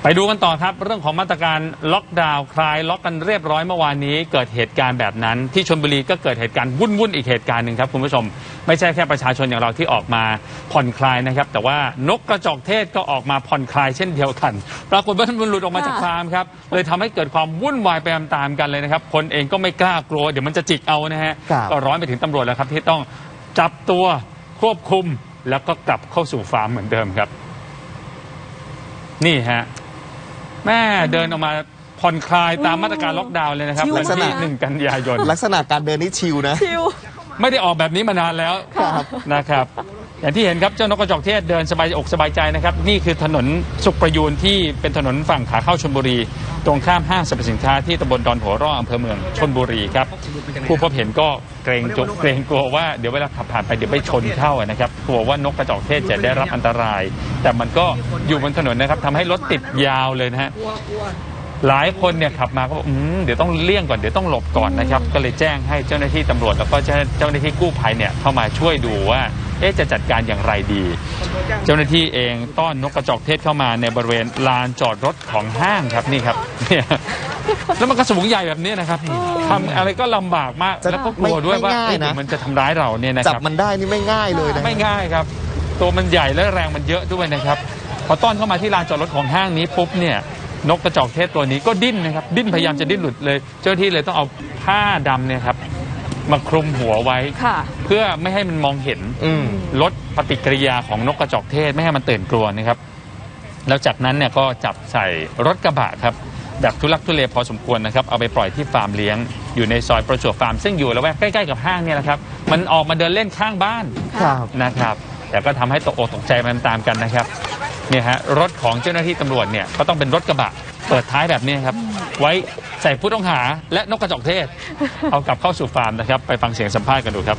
ไปดูกันต่อครับเรื่องของมาตรการล็อกดาวน์คลายล็อกกันเรียบร้อยเมื่อวานนี้เกิดเหตุการณ์แบบนั้นที่ชลบุรีก็เกิดเหตุการณ์วุ่นอีกเหตุการณ์หนึ่งครับคุณผู้ชมไม่ใช่แค่ประชาชนอย่างเราที่ออกมาผ่อนคลายนะครับแต่ว่านกกระจอกเทศก็ออกมาผ่อนคลายเช่นเดียวกันปรากฏว่ามันหลุดออกมาจากฟาร์มครับเลยทำให้เกิดความวุ่นวายไปตามๆกันเลยนะครับคนเองก็ไม่กล้ากลัวเดี๋ยวมันจะจิกเอานะฮะก็ร้อนไปถึงตำรวจแล้วครับที่ต้องจับตัวควบคุมแล้วก็กลับเข้าสู่ฟาร์มเหมือนเดิมครับนี่ฮะแม่เดินออกมาผ่อนคลายตามมาตรการล็อกดาวน์เลยนะครับวันที่1 กันยายนลักษณะการเดินนี่ชิลนะไม่ได้ออกแบบนี้มานานแล้วนะครับอย่างที่เห็นครับเจ้านกกระจอกเทศเดินสบายอกสบายใจนะครับนี่คือถนนสุขประยูนที่เป็นถนนฝั่งขาเข้าชลบุรีตรงข้ามห้างสรรพสินค้าที่ตำบลดอนหัวร่ออำเภอเมืองชลบุรีครับผู้พบเห็นก็เกรงกลัวว่าเดี๋ยวเวลาขับผ่านไปเดี๋ยวไปชนเข้านะครับกลัวว่านกกระจอกเทศจะได้รับอันตรายแต่มันก็อยู่บนถนนนะครับทำให้รถติดยาวเลยนะฮะหลายคนเนี่ยขับมาก็บอกเดี๋ยวต้องเลี่ยงก่อนเดี๋ยวต้องหลบก่อนนะครับก็เลยแจ้งให้เจ้าหน้าที่ตำรวจแล้วก็เจ้าหน้าที่กู้ภัยเนี่ยเข้ามาช่วยดูว่าจะจัดการอย่างไรดีเจ้าหน้าที่เองต้อนนกกระจอกเทศเข้ามาในบริเวณลานจอดรถของห้างครับนี่ครับเนี่ยแล้วมันกระสูงใหญ่แบบนี้นะครับทำอะไรก็ลำบากมากแล้วก็กลัวด้วยว่ามันจะทำร้ายเราเนี่ยนะครับจับมันได้นี่ไม่ง่ายเลยนะไม่ง่ายครับตัวมันใหญ่และแรงมันเยอะด้วยนะครับพอต้อนเข้ามาที่ลานจอดรถของห้างนี้ปุ๊บเนี่ยนกกระจอกเทศตัวนี้ก็ดิ้นนะครับดิ้นพยายามจะดิ้นหลุดเลยเจ้าหน้าที่เลยต้องเอาผ้าดำเนี่ยครับมาคลุมหัวไว้เพื่อไม่ให้มันมองเห็นลดปฏิกิริยาของนกกระจอกเทศไม่ให้มันตื่นกลัวนะครับแล้วจากนั้นเนี่ยก็จับใส่รถกระบะครับแบบทุลักทุเลพอสมควรนะครับเอาไปปล่อยที่ฟาร์มเลี้ยงอยู่ในซอยประจวบฟาร์มซึ่งอยู่ละแวกใกล้ๆกับห้างเนี่ยแหละครับมันออกมาเดินเล่นข้างบ้านนะครับแต่ก็ทำให้ตกอกตกใจมันตามกันนะครับเนี่ยฮะรถของเจ้าหน้าที่ตำรวจเนี่ยก็ต้องเป็นรถกระบะเปิดท้ายแบบนี้ครับไว้ใส่ผู้ต้องหาและนกกระจอกเทศเอากลับเข้าสู่ฟาร์มนะครับไปฟังเสียงสัมภาษณ์กันดูครับ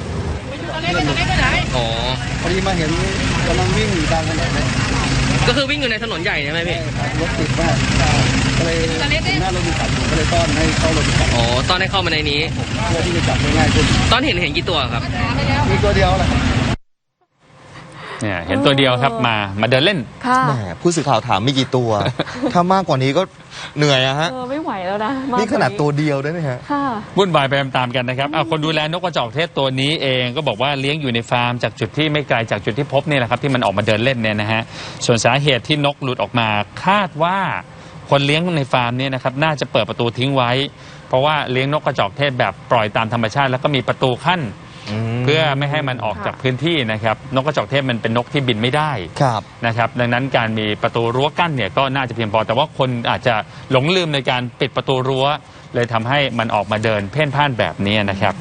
อ๋อพอดีมาเห็นกำลังวิ่งอยู่ตามถนนเลยก็คือวิ่งอยู่ในถนนใหญ่ใช่ไหมพี่รถติดมากก็เลยหน้ารถมีขับก็เลยต้อนให้เข้ารถขับอ๋อต้อนให้เข้ามาในนี้เพื่อที่จะจับง่ายขึ้นต้อนเห็นกี่ตัวครับมีตัวเดียวแหละเนี่ยเห็นตัวเดียวครับมาเดินเล่นแหมผู้สื่อข่าวถามมีกี่ตัวถ้ามากกว่านี้ก็เหนื่อยอะฮะไม่ไหวแล้วนะนี่ขนาดตัวเดียวด้วยนะฮะวุ่นวายไปตามกันนะครับคนดูแลนกกระจอกเทศตัวนี้เองก็บอกว่าเลี้ยงอยู่ในฟาร์มจากจุดที่ไม่ไกลจากจุดที่พบนี่แหละครับที่มันออกมาเดินเล่นเนี่ยนะฮะส่วนสาเหตุที่นกหลุดออกมาคาดว่าคนเลี้ยงในฟาร์มเนี่ยนะครับน่าจะเปิดประตูทิ้งไว้เพราะว่าเลี้ยงนกกระจอกเทศแบบปล่อยตามธรรมชาติแล้วก็มีประตูขั้นเพื่อไม่ให้มันออกจากพื้นที่นะครับนกกระจอกเทศมันเป็นนกที่บินไม่ได้นะครับดังนั้นการมีประตูรั้วกั้นเนี่ยก็น่าจะเพียงพอแต่ว่าคนอาจจะหลงลืมในการปิดประตูรั้วเลยทำให้มันออกมาเดินเพ่นพ่านแบบนี้นะครับ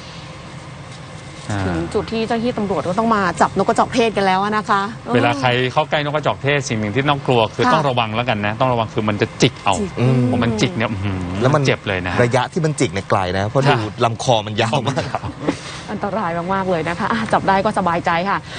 ถึงจุดที่เจ้าหน้าที่ตำรวจก็ต้องมาจับนกกระจอกเทศกันแล้วนะคะเวลาใครเข้าใกล้นกกระจอกเทศสิ่งหนึ่งที่ต้องกลัวคือต้องระวังแล้วกันนะต้องระวังคือมันจะจิกเอาผมมันจิกเนี่ยแล้วมันเจ็บเลยนะระยะที่มันจิกเนี่ยไกลนะเพราะดูลำคอมันยาวมากอันตรายมากๆเลยนะคะจับได้ก็สบายใจค่ะ